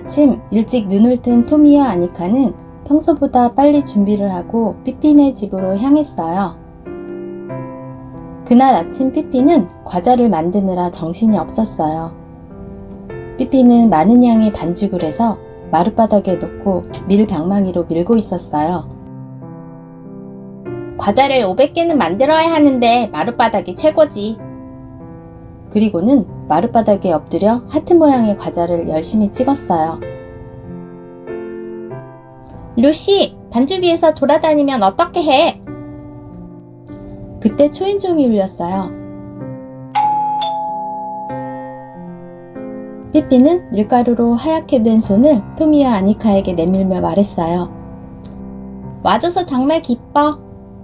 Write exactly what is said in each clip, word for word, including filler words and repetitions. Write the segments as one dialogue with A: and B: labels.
A: 아침 일찍 눈을 뜬 토미와 아니카는 평소보다 빨리 준비를 하고 삐삐네 집으로 향했어요. 그날 아침 삐삐는 과자를 만드느라 정신이 없었어요. 삐삐는 많은 양의 반죽을 해서 마룻바닥에 놓고 밀방망이로 밀고 있었어요. 과자를 오백 개는 만들어야 하는데 마룻바닥이 최고지. 그리고는 마룻바닥에 엎드려 하트 모양의 과자를 열심히 찍었어요. 루시, 반죽 위에서 돌아다니면 어떻게 해? 그때 초인종이 울렸어요. 삐삐는 밀가루로 하얗게 된 손을 토미와 아니카에게 내밀며 말했어요. 와줘서 정말 기뻐.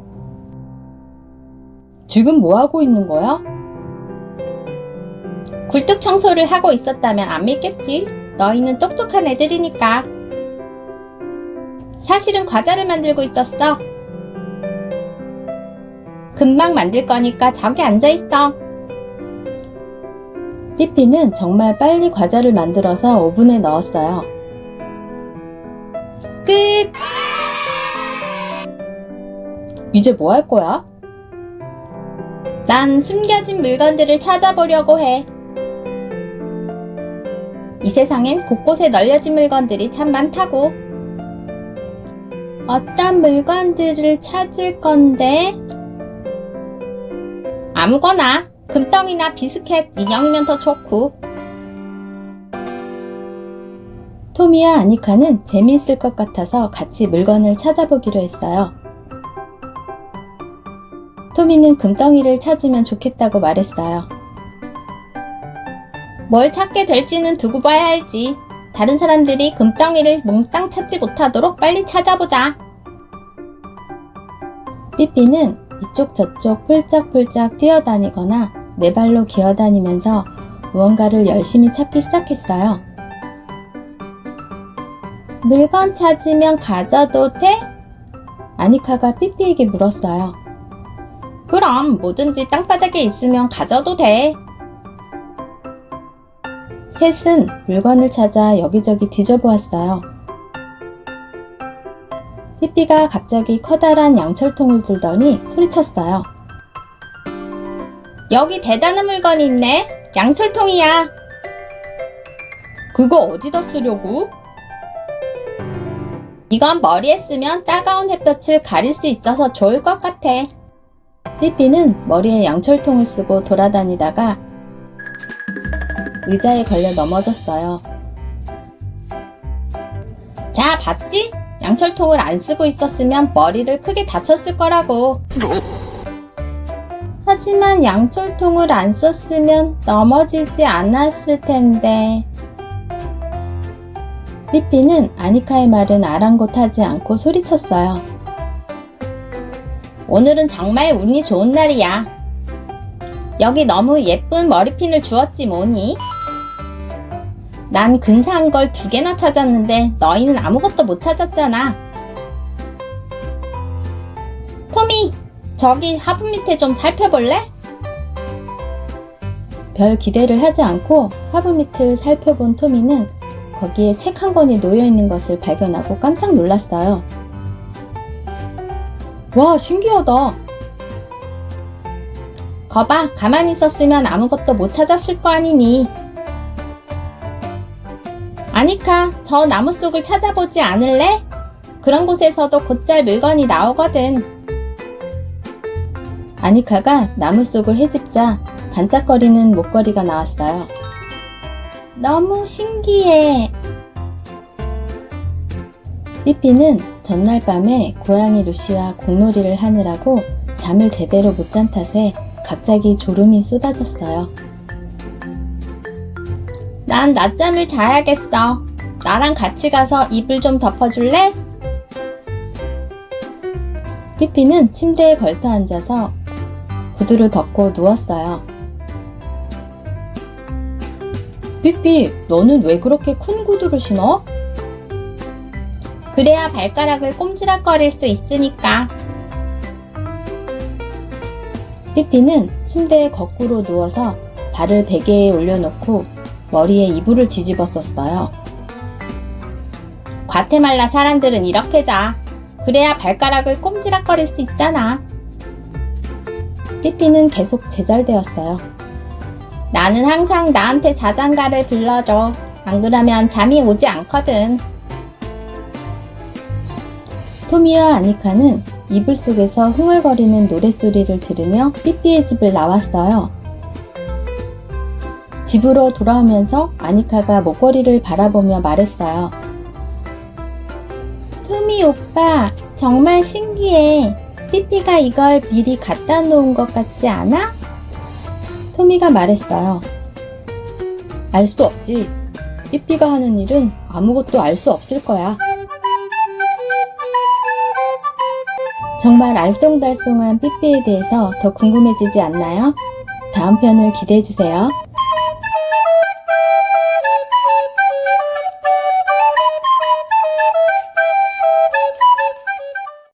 A: 지금 뭐하고 있는 거야? 굴뚝 청소를 하고 있었다면 안 믿겠지? 너희는 똑똑한 애들이니까. 사실은 과자를 만들고 있었어. 금방 만들 거니까 저기 앉아있어. 삐삐는 정말 빨리 과자를 만들어서 오븐에 넣었어요. 끝! 이제 뭐 할 거야? 난 숨겨진 물건들을 찾아보려고 해. 이 세상엔 곳곳에 널려진 물건들이 참 많다고. 어떤 물건들을 찾을 건데? 아무거나. 금덩이나 비스켓, 인형이면 더 좋고. 토미와 아니카는 재미있을 것 같아서 같이 물건을 찾아보기로 했어요. 토미는 금덩이를 찾으면 좋겠다고 말했어요. 뭘 찾게 될지는 두고 봐야 할지. 다른 사람들이 금덩이를 몽땅 찾지 못하도록 빨리 찾아보자. 삐삐는 이쪽 저쪽 폴짝폴짝 뛰어다니거나 네 발로 기어다니면서 무언가를 열심히 찾기 시작했어요. 물건 찾으면 가져도 돼? 아니카가 삐삐에게 물었어요. 그럼 뭐든지 땅바닥에 있으면 가져도 돼. 셋은 물건을 찾아 여기저기 뒤져보았어요. 삐삐가 갑자기 커다란 양철통을 들더니 소리쳤어요. 여기 대단한 물건이 있네. 양철통이야. 그거 어디다 쓰려고? 이건 머리에 쓰면 따가운 햇볕을 가릴 수 있어서 좋을 것 같아. 삐삐는 머리에 양철통을 쓰고 돌아다니다가 의자에 걸려 넘어졌어요. 자, 봤지? 양철통을 안 쓰고 있었으면 머리를 크게 다쳤을 거라고. 하지만 양철통을 안 썼으면 넘어지지 않았을 텐데. 삐삐는 아니카의 말은 아랑곳하지 않고 소리쳤어요. 오늘은 정말 운이 좋은 날이야. 여기 너무 예쁜 머리핀을 주었지 뭐니? 난 근사한 걸 두 개나 찾았는데 너희는 아무것도 못 찾았잖아. 토미, 저기 화분 밑에 좀 살펴볼래? 별 기대를 하지 않고 화분 밑을 살펴본 토미는 거기에 책 한 권이 놓여있는 것을 발견하고 깜짝 놀랐어요. 와, 신기하다. 거봐, 가만히 있었으면 아무것도 못 찾았을 거 아니니. 아니카, 저 나무 속을 찾아보지 않을래? 그런 곳에서도 곧잘 물건이 나오거든. 아니카가 나무 속을 헤집자 반짝거리는 목걸이가 나왔어요. 너무 신기해. 삐삐는 전날 밤에 고양이 루시와 공놀이를 하느라고 잠을 제대로 못 잔 탓에 갑자기 졸음이 쏟아졌어요. 난 낮잠을 자야겠어. 나랑 같이 가서 이불 좀 덮어줄래? 삐삐는 침대에 걸터 앉아서 구두를 벗고 누웠어요. 삐삐, 너는 왜 그렇게 큰 구두를 신어? 그래야 발가락을 꼼지락거릴 수 있으니까. 삐삐는 침대에 거꾸로 누워서 발을 베개에 올려놓고 머리에 이불을 뒤집어 썼어요. 과테말라 사람들은 이렇게 자. 그래야 발가락을 꼼지락거릴 수 있잖아. 삐삐는 계속 제잘되었어요. 나는 항상 나한테 자장가를 불러줘. 안 그러면 잠이 오지 않거든. 토미와 아니카는 이불 속에서 흥얼거리는 노랫소리를 들으며 삐삐의 집을 나왔어요. 집으로 돌아오면서 아니카가 목걸이를 바라보며 말했어요. 토미 오빠, 정말 신기해. 삐삐가 이걸 미리 갖다 놓은 것 같지 않아? 토미가 말했어요. 알 수 없지. 삐삐가 하는 일은 아무것도 알 수 없을 거야. 정말 알쏭달쏭한 삐삐에 대해서 더 궁금해지지 않나요? 다음 편을 기대해주세요.